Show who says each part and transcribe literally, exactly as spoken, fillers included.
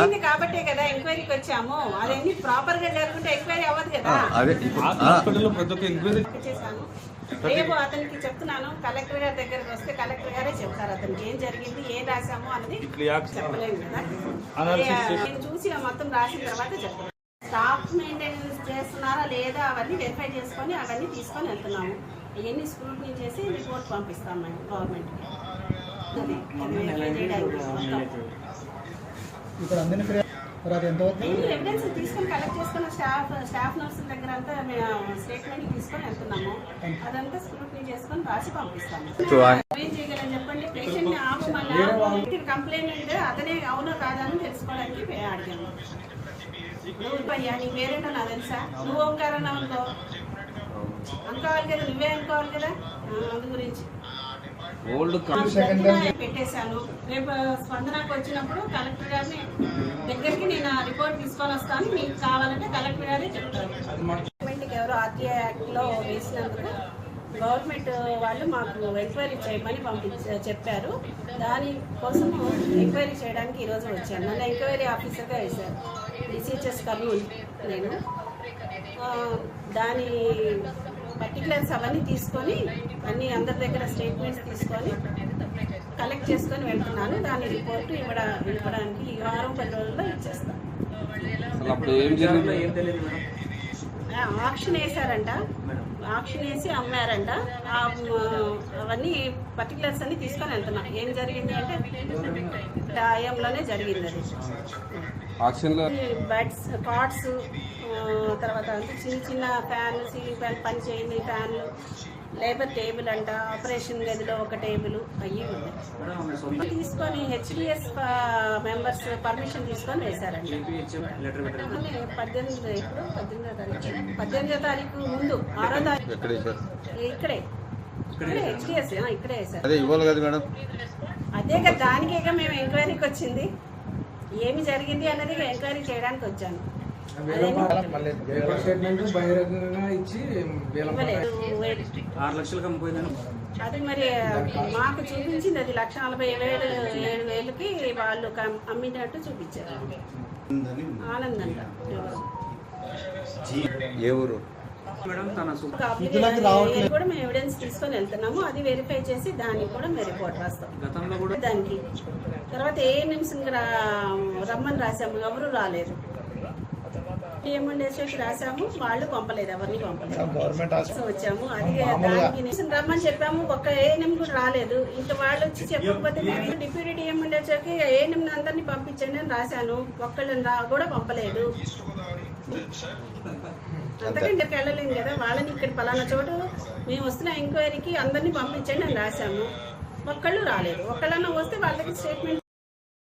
Speaker 1: కాబట్టే కదా ఎంక్వైరీకి వచ్చాము. అదన్నీ ప్రాపర్ గా జరుగుతుంటే ఎంక్వైరీ అవ్వదు కదా. చేశాను. రేపు అతనికి చెప్తున్నాను, కలెక్టర్ గారి దగ్గరకు వస్తే కలెక్టర్ గారే చెప్తారు అతనికి ఏం జరిగింది, ఏం రాసాము అన్నది చెప్పలేము కదా. నేను చూసి మొత్తం రాసిన తర్వాత చెప్తాను. స్టాఫ్ మెయింటెనెన్స్ చేస్తున్నారా లేదా అవన్నీ వెరిఫై చేసుకొని అవన్నీ తీసుకొని వెళ్తున్నాము. ఇవన్నీ స్క్రూటినీ చేసి రిపోర్ట్ పంపిస్తాం మేము గవర్నమెంట్కి. ఎవిడెన్స్ తీసుకొని కలెక్ట్ చేసుకున్న స్టాఫ్ స్టాఫ్ నర్సుల దగ్గర అంతా స్టేట్మెంట్ తీసుకొని వెళ్తున్నాము. అదంతా స్క్రూటినీ చేసుకొని రాసి పంపిస్తాము. ఏం చేయగలని చెప్పండి. పేషెంట్ ని ఆపమని కంప్లైంట్ అతనే అవునో కాదని తెలుసుకోవడానికి అడిగాము. నువ్వు పయ్యా నీ పేరేంటో నాకు తెలుసా, నువ్వు ఓంకారన్నా అనుకో అనుకోవాలి కదా, నువ్వే అనుకోవాలి కదా. అందు గురించి పెట్టేశాను. రేపు స్పందనకు వచ్చినప్పుడు కలెక్టర్ గారిని దగ్గరికి నేను ఆ రిపోర్ట్ తీసుకొని వస్తాను, మీకు కావాలంటే కలెక్టర్ గారే చెప్తారు. గవర్నమెంట్కి ఎవరో ఆర్టీఐ యాక్ట్లో వేసినందుకు గవర్నమెంట్ వాళ్ళు మాకు ఎంక్వైరీ చేయమని పంపించ చెప్పారు. దానికోసం ఎంక్వైరీ చేయడానికి ఈరోజు వచ్చాను. నన్ను ఎంక్వైరీ ఆఫీసర్గా వేశారు డిసిహెచ్ఎస్ కర్నూలు. నేను దాని పర్టికులర్స్ అవన్నీ తీసుకొని అన్ని అందరి దగ్గర స్టేట్మెంట్స్ తీసుకొని కలెక్ట్ చేసుకొని వెళ్తున్నాను. దాని రిపోర్టు ఇవ్వడ ఇవ్వడానికి ఈ వారం పది రోజుల్లో ఇచ్చేస్తాను. ఆక్షన్ వేసారంట, ఆక్షన్ వేసి అమ్మారంట. అవన్నీ పర్టికులర్స్ అన్ని తీసుకొని వెళ్తున్నా. ఏం జరిగింది అంటే టైంలోనే జరిగింది అది. బెడ్స్, కాట్స్, తర్వాత అంటే చిన్న చిన్న ఫ్యాన్లు, సీలింగ్ ఫ్యాన్ పని చేయని ఫ్యాన్లు, లేబర్ టేబుల్ అంట, ఆపరేషన్ గదిలో ఒక టేబుల్ అయ్యి ఉన్నాయి. తీసుకొని హెచ్డిఎస్ మెంబర్స్ పర్మిషన్ తీసుకొని వేశారండి. పద్దెనిమిది ఇప్పుడు పద్దెనిమిదో తారీఖు పద్దెనిమిదో తారీఖు ముందు ఆరో తారీఖు ఇక్కడే ఇక్కడే హెచ్డిఎస్ ఇక్కడే వేశారు. అదే కదా, దానికేగా మేము ఎంక్వైరీకి వచ్చింది. ఏమి జరిగింది అన్నది ఎంక్వైరీ చేయడానికి వచ్చాను. అది మరి మాకు చూపించింది, అది లక్ష నలభై వేలు ఏడు వేలకి వాళ్ళు అమ్మినట్టు చూపించారు. ఆనందంట కూడా మేము ఎవిడెన్స్ తీసుకొని వెళ్తున్నాము. అది వెరిఫై చేసి దానికి కూడా మేము రిపోర్ట్ రాస్తాం. దానికి తర్వాత ఏ నిమిషం రమ్మని రాసాము, ఎవరు రాలేదు. ఏమండేసి రాసాము, వాళ్ళు పంపలేదు, ఎవరిని పంపలేదు. వచ్చాము అది దానికి నిమిషం రమ్మని చెప్పాము, ఒక్క ఏఎన్ఎం కూడా రాలేదు. ఇంకా వాళ్ళు వచ్చి చెప్పకపోతే డిప్యూటీ డిఎం ఉండేసరికి ఏఎన్ఎం అందరినీ పంపించండి అని రాశాను, ఒక్కళ్ళని రా కూడా పంపలేదు. అంతకంటే వెళ్ళలేము కదా. వాళ్ళని ఇక్కడ పలానా చోటు మేము వస్తున్న ఎంక్వైరీకి అందరినీ పంపించండి అని రాశాము, ఒక్కళ్ళు రాలేదు. ఒక్కళ్ళన్నా వస్తే వాళ్ళకి స్టేట్మెంట్